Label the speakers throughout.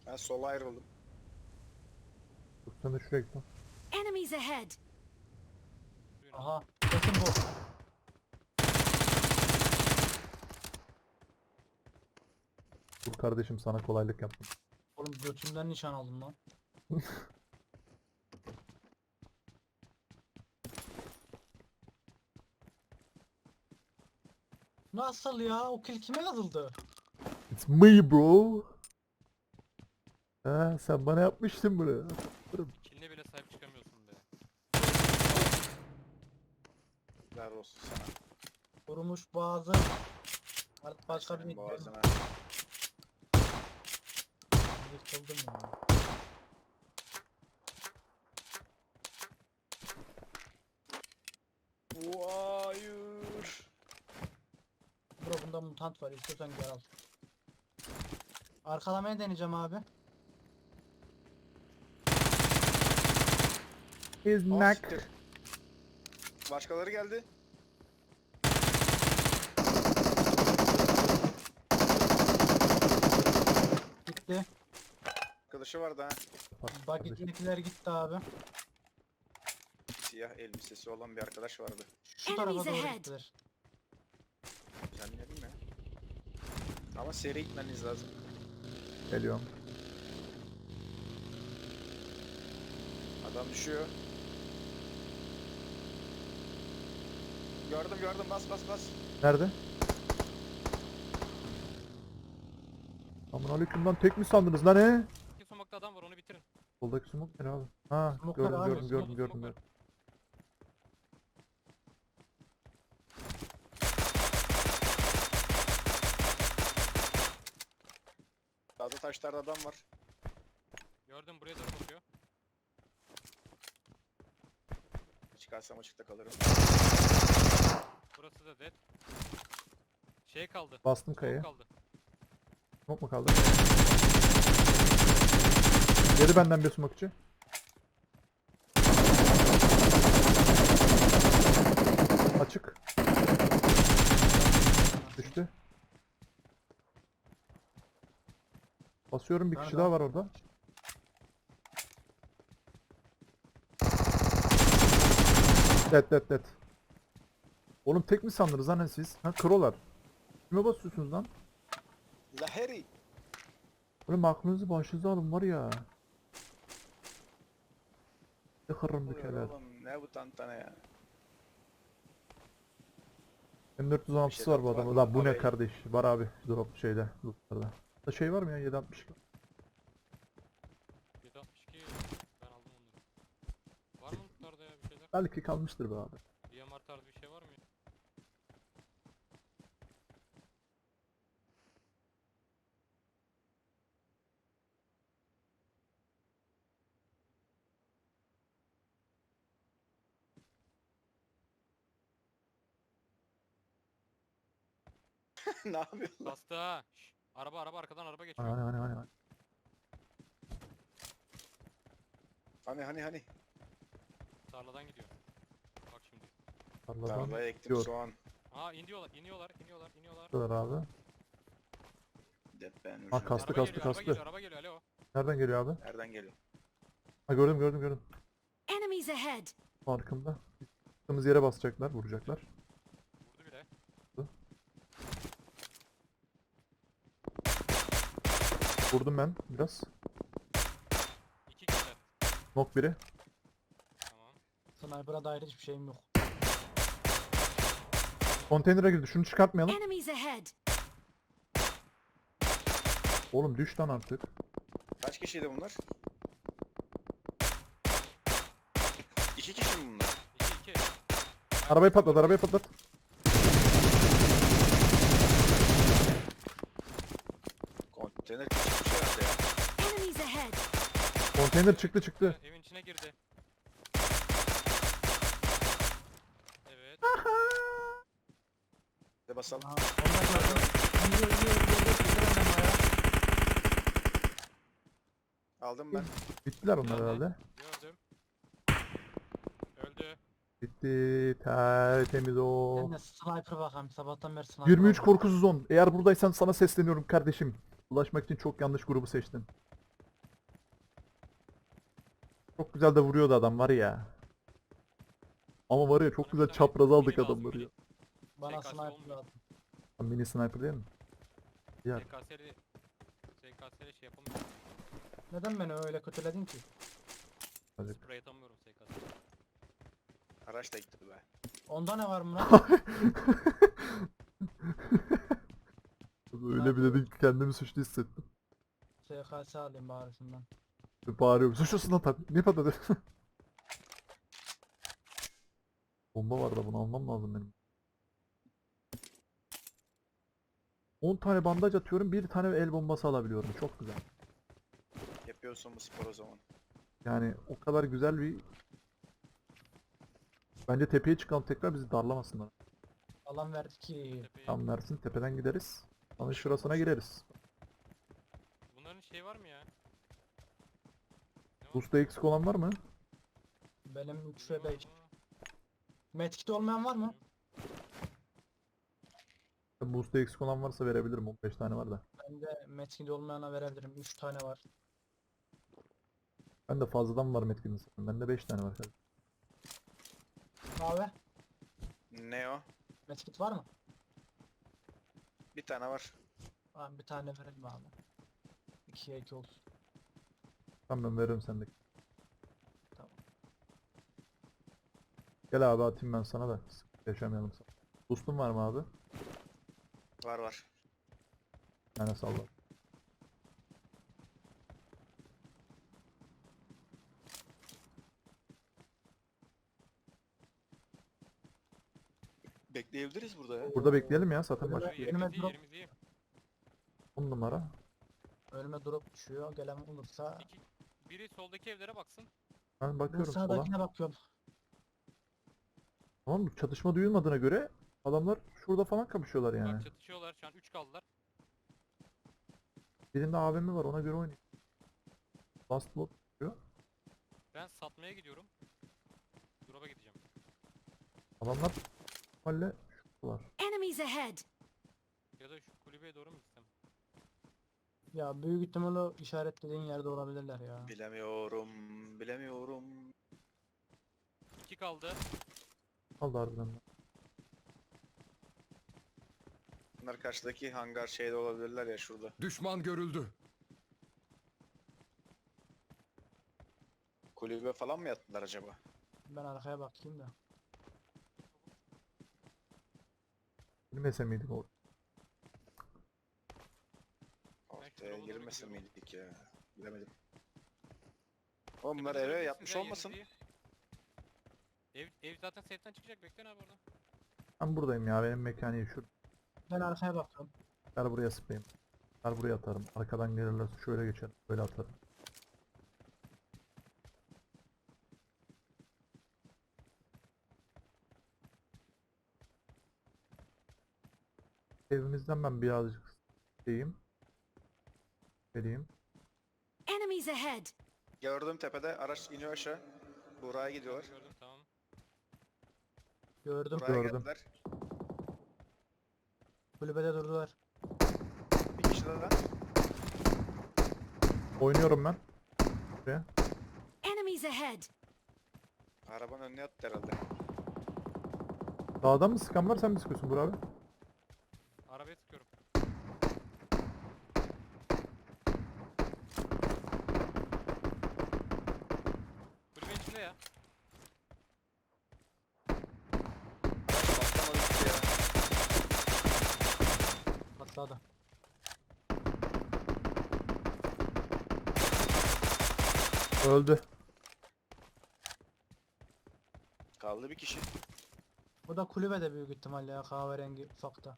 Speaker 1: Ben sola ayrıldım.
Speaker 2: Dur sen de şuraya git lan.
Speaker 3: Enemies ahead!
Speaker 4: Aha. Kesin bu.
Speaker 2: Dur kardeşim sana kolaylık yaptım.
Speaker 4: Oğlum götümden nişan aldım lan. Nasıl ya? O kill kime yazıldı?
Speaker 2: It's me bro. Ha, sen bana yapmıştın bunu.
Speaker 5: Kiline bile sahip çıkamıyorsun be.
Speaker 1: Ver olsun sana.
Speaker 4: Vurmuş boğazı. Artık başka bir
Speaker 1: Senin boğazına.
Speaker 4: yırtıldım ya.
Speaker 1: Hayır.
Speaker 4: Bro bunda mutant var. İstiyorsan gel al. Arkalamaya deneyeceğim abi.
Speaker 2: Is
Speaker 1: Oh,
Speaker 2: knock.
Speaker 1: siktir. Başkaları geldi.
Speaker 4: Gitti.
Speaker 1: Arkadaşı vardı ha.
Speaker 4: Bagit'indekiler gitti abi.
Speaker 1: Siyah elbisesi olan bir arkadaş vardı.
Speaker 4: Şu tarafa
Speaker 3: Enemies
Speaker 4: doğru
Speaker 3: ahead.
Speaker 4: gittiler.
Speaker 1: Zannedeyim ya. Ama seri gitmeniz lazım.
Speaker 2: Geliyorum.
Speaker 1: Adam düşüyor. Gördüm bas bas bas.
Speaker 2: Nerede? Aman aleyküm lan, tek mi sandınız lan he?
Speaker 5: İki sumakta adam var, onu bitirin.
Speaker 2: Soldaki smoke ne abi? Ha,
Speaker 4: Smoke'lar
Speaker 2: gördüm
Speaker 4: abi,
Speaker 2: gördüm gördüm
Speaker 5: smoke,
Speaker 2: gördüm
Speaker 5: smoke
Speaker 2: gördüm.
Speaker 1: Sağda taşlarda adam var.
Speaker 5: Gördüm, buraya doğru bakıyor.
Speaker 1: Çıkarsam açıkta kalırım.
Speaker 5: Burası da dead. Şey kaldı.
Speaker 2: Bastım
Speaker 5: Smoke
Speaker 2: kayaya.
Speaker 5: kaldı.
Speaker 2: Smoke mu kaldı? Yedi benden bir smokeçi. Açık. Düştü. Basıyorum, bir kişi
Speaker 4: Nerede?
Speaker 2: daha var orada. Dead. Oğlum tek mi sandınız lan siz? Ha, krolar. Kime basıyorsunuz lan?
Speaker 1: Laheri.
Speaker 2: Oğlum aklınızı başınıza alın var ya. Yıkırım bir
Speaker 1: Oluyor
Speaker 2: keler.
Speaker 1: oğlum ne bu tantana ya.
Speaker 2: M416'sı var bu adamın. Lan bu ne kardeş? Var abi drop şeyde. Lootlarda. Da şey var mı ya, 762?
Speaker 5: 762 ben aldım onları. Var mı tutarda ya bir şeyler?
Speaker 2: Belki kalmıştır be abi.
Speaker 5: DMR tarzı bir şey var mı ya?
Speaker 1: Ne yapıyorsun lan?
Speaker 5: Bastı ha. Şş, araba arkadan araba geçiyor.
Speaker 2: Hani.
Speaker 1: Hani.
Speaker 5: Tarladan gidiyor. Bak şimdi.
Speaker 2: Tarladan
Speaker 1: Tarlaya ektim
Speaker 2: diyor.
Speaker 1: soğan.
Speaker 5: Aa iniyorlar.
Speaker 2: Diyorlar abi.
Speaker 1: Deppen
Speaker 2: Ha, kastı.
Speaker 5: Araba geliyor alo.
Speaker 2: Nereden geliyor abi?
Speaker 1: Nereden geliyor?
Speaker 2: Ha, gördüm.
Speaker 3: Enemies ahead!
Speaker 2: Farkında. Çıktığımız yere basacaklar, vuracaklar.
Speaker 5: Vurdu bile.
Speaker 2: Vurdum ben biraz.
Speaker 5: İki kişiler.
Speaker 2: Knock biri.
Speaker 5: Tamam.
Speaker 4: Sniper'a dair hiçbir şeyim yok.
Speaker 2: Konteynere girdi. Şunu çıkartmayalım.
Speaker 3: Enemies ahead!
Speaker 2: Oğlum düş lan artık.
Speaker 1: Kaç kişiydi bunlar? İki kişi mi bunlar?
Speaker 5: İki.
Speaker 2: Arabayı patlat.
Speaker 1: Konteyner çıkmış herhalde ya.
Speaker 3: Enemies ahead!
Speaker 2: Konteyner çıktı.
Speaker 5: Evin içine girdi. Evet.
Speaker 1: Bir de basalım.
Speaker 4: Aha, onu da gördüm. İniyor. Gidiyor ya.
Speaker 1: Aldım ben.
Speaker 2: Bittiler onlar
Speaker 5: Nerede?
Speaker 2: herhalde.
Speaker 5: Gördüm. Öldü.
Speaker 2: Bitti. Tertemiz o.
Speaker 4: Ben de sniper bakalım. Sabahtan beri sniper
Speaker 2: 23
Speaker 4: bakıyorum.
Speaker 2: korkusuz 10. Eğer buradaysan sana sesleniyorum kardeşim. Ulaşmak için çok yanlış grubu seçtin. Çok güzel de vuruyordu adam var ya. Ama var ya çok
Speaker 5: Bana
Speaker 2: güzel
Speaker 5: bir tane
Speaker 2: çapraz aldık
Speaker 5: mini lazım,
Speaker 2: adamları
Speaker 5: mini.
Speaker 2: ya.
Speaker 4: Bana
Speaker 5: SKS
Speaker 4: sniper
Speaker 5: olmuyor.
Speaker 4: lazım.
Speaker 2: Mini sniper değil mi? Ya
Speaker 5: SKS'li şey yapamıyorum.
Speaker 4: Neden beni öyle kötüledin ki?
Speaker 2: Azıcık.
Speaker 5: Sprey atamıyorum SKS.
Speaker 1: Araç da gitti be.
Speaker 4: Onda ne var Murat?
Speaker 2: Öyle bir dedin ki kendimi suçlu hissettim.
Speaker 4: SKS alayım bari şundan.
Speaker 2: Bağırıyorum. Suçlusun lan tabii. Niye patladı? Bomba var da bunu almam lazım benim. 10 tane bandaj atıyorum. Bir tane el bombası alabiliyorum. Çok güzel.
Speaker 1: Yapıyorsun bu spor o zaman.
Speaker 2: Yani o kadar güzel bir... Bence tepeye çıkalım tekrar bizi darlamasınlar.
Speaker 4: Alan verdi ki.
Speaker 5: Tepeye.
Speaker 2: Tam versin tepeden gideriz. Sonra
Speaker 1: Bir şey
Speaker 2: şurasına
Speaker 1: olmaz.
Speaker 2: gireriz.
Speaker 5: Bunların şey var mı ya? Ne var?
Speaker 2: Boost'ta eksik olan var mı?
Speaker 4: Benim 3
Speaker 5: Ne
Speaker 4: ve
Speaker 5: var
Speaker 4: 5.
Speaker 5: ama?
Speaker 4: Medkit olmayan var mı?
Speaker 2: Boost'ta eksik olan varsa verebilirim. 15 tane var da.
Speaker 4: Bende medkit olmayana verebilirim. 3 tane var.
Speaker 2: Ben de fazladan var Metkin'in sanırım. Bende 5 tane var. Kardeşim.
Speaker 4: Abi
Speaker 1: Ne o?
Speaker 4: medkit var mı?
Speaker 1: Bir tane var.
Speaker 4: Abi bir tane verelim abi. 2'ye 2 olsun.
Speaker 2: Tamam ben veririm sendeki.
Speaker 4: Tamam.
Speaker 2: Gel abi atayım ben sana da. Sıkıntı yaşamayalım sana. Boost'un var mı abi?
Speaker 1: Var var.
Speaker 2: Bir tane salla.
Speaker 1: Bekleyebiliriz burada ya.
Speaker 2: Burada bekleyelim ya zaten
Speaker 4: Burada
Speaker 2: baş.
Speaker 5: Şu
Speaker 4: Önüme
Speaker 5: yerimiz iyi,
Speaker 4: drop.
Speaker 5: yerimiz iyi.
Speaker 2: 10 numara.
Speaker 4: Önüme drop düşüyor. Gelen olursa
Speaker 5: Biri soldaki evlere baksın.
Speaker 2: Ben
Speaker 4: ben
Speaker 2: bakıyorum sola.
Speaker 4: sağdakine bakıyorum.
Speaker 2: Tamam mı? Çatışma duyulmadığına göre adamlar şurada falan kapışıyorlar yani.
Speaker 5: Bak çatışıyorlar şu an 3 kaldılar.
Speaker 2: Birinde AVM var ona göre oynayın. Last blood diyor.
Speaker 5: Ben satmaya gidiyorum. Drop'a gideceğim.
Speaker 2: Adamlar halle şuradalar.
Speaker 3: Enemies ahead!
Speaker 5: Ya da şu kulübeye doğru mu gitsem?
Speaker 4: Ya büyük ihtimalle işaretlediğin yerde olabilirler ya.
Speaker 1: Bilemiyorum. Bilemiyorum.
Speaker 5: 2 kaldı.
Speaker 2: Kaldı harbiden de.
Speaker 1: Bunlar karşıdaki hangar şeyde olabilirler ya şurada.
Speaker 6: Düşman görüldü.
Speaker 1: Kulübe falan mı yattılar acaba?
Speaker 4: Ben arkaya bakayım da.
Speaker 2: Bilmese miydik orada?
Speaker 1: Ortaya
Speaker 5: drop'a doğru
Speaker 1: girmese
Speaker 5: gidiyorum.
Speaker 1: miydik ya? Bilemedim. Oğlum bunlar
Speaker 5: Tepenize
Speaker 1: eve
Speaker 5: bakın
Speaker 1: yapmış
Speaker 5: size,
Speaker 1: olmasın?
Speaker 5: yerimiz iyi. Ev zaten safe'den çıkacak. Bekleyin abi orada.
Speaker 2: Ben buradayım ya benim mekaniği şurada.
Speaker 4: Ben arkaya bakıyorum.
Speaker 2: Gel buraya sıkayım. Gel buraya atarım. Arkadan gelirlerse şöyle geçerim. Böyle atarım. Evimizden ben birazcık diyeyim. Geleyim.
Speaker 3: Enemies ahead!
Speaker 1: Gördüm tepede araç iniyor aşağı. Buraya gidiyorlar.
Speaker 5: Gördüm tamam.
Speaker 4: Gördüm.
Speaker 1: Buraya
Speaker 2: Gördüm.
Speaker 1: geldiler.
Speaker 4: Kulübede durdular.
Speaker 1: Bir kişi daha.
Speaker 2: Oynuyorum ben. Buraya.
Speaker 3: Enemies ahead!
Speaker 1: Arabanın önüne yattı herhalde.
Speaker 2: Dağdan mı sıkan var sen mi sıkıyorsun Burak abi?
Speaker 5: Arabaya sıkıyorum. Kulübenin içinde ya.
Speaker 1: Patlamadı gitti ya.
Speaker 4: Patladı.
Speaker 2: Öldü.
Speaker 1: Kaldı bir kişi.
Speaker 4: Bu da kulübede büyük ihtimalle ya kahverengi ufakta.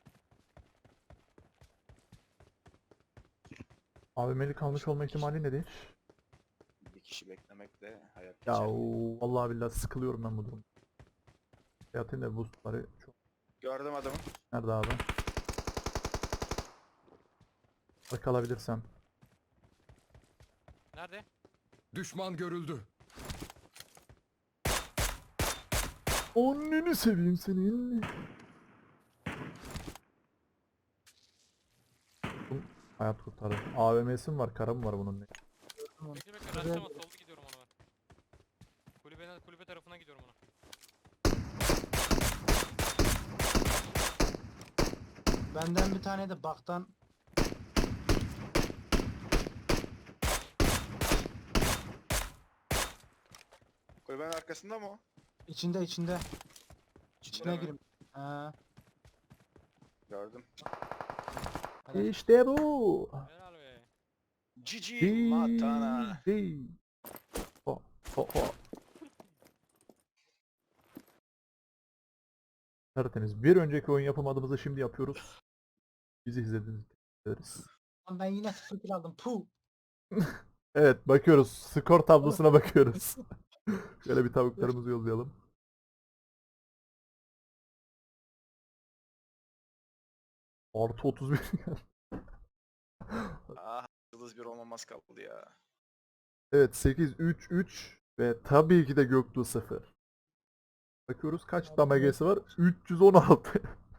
Speaker 2: AVM'li kalmış olma ihtimali nedir?
Speaker 1: Bir kişi beklemekle hayat
Speaker 2: Ya
Speaker 1: geçer.
Speaker 2: vallahi billahi sıkılıyorum ben bu durumda. Yatayım da boostları çok.
Speaker 1: Gördüm adamı.
Speaker 2: Nerede abi? Kalabilirsem.
Speaker 5: Nerede?
Speaker 6: Düşman görüldü.
Speaker 2: Anneni seveyim senin. Hayat kurtardı. AVM'si mi var? Kara mı var bunun?
Speaker 4: Gördüm onu.
Speaker 5: Bekle bekle.
Speaker 4: Buraya
Speaker 5: Raşlama
Speaker 4: doğru.
Speaker 5: solda gidiyorum ona ben. tepe tarafına gidiyorum ona.
Speaker 4: Benden bir tane de baktan
Speaker 1: Kulübenin arkasında mı o?
Speaker 4: içinde. İçine
Speaker 1: İçinde mi?
Speaker 4: girim. Ha,
Speaker 1: Gördüm.
Speaker 4: helal.
Speaker 2: İşte bu.
Speaker 5: Helal be.
Speaker 1: Cici Matana.
Speaker 2: GG. Ho, ho, ho. Tertemiz. Bir önceki oyun yapamadığımızı şimdi yapıyoruz. Bizi izlediğiniz için teşekkür ederiz.
Speaker 4: Lan ben yine 0 kill aldım. Puh.
Speaker 2: Evet, bakıyoruz. Skor tablosuna bakıyoruz. Şöyle bir tavuklarımızı yollayalım. Artı 31.
Speaker 1: Ah, yıldız bir olmamaz kaldı ya.
Speaker 2: Evet, 8 3 3 ve tabii ki de Göktuğ 0. Bakıyoruz kaç damagesi var? 316.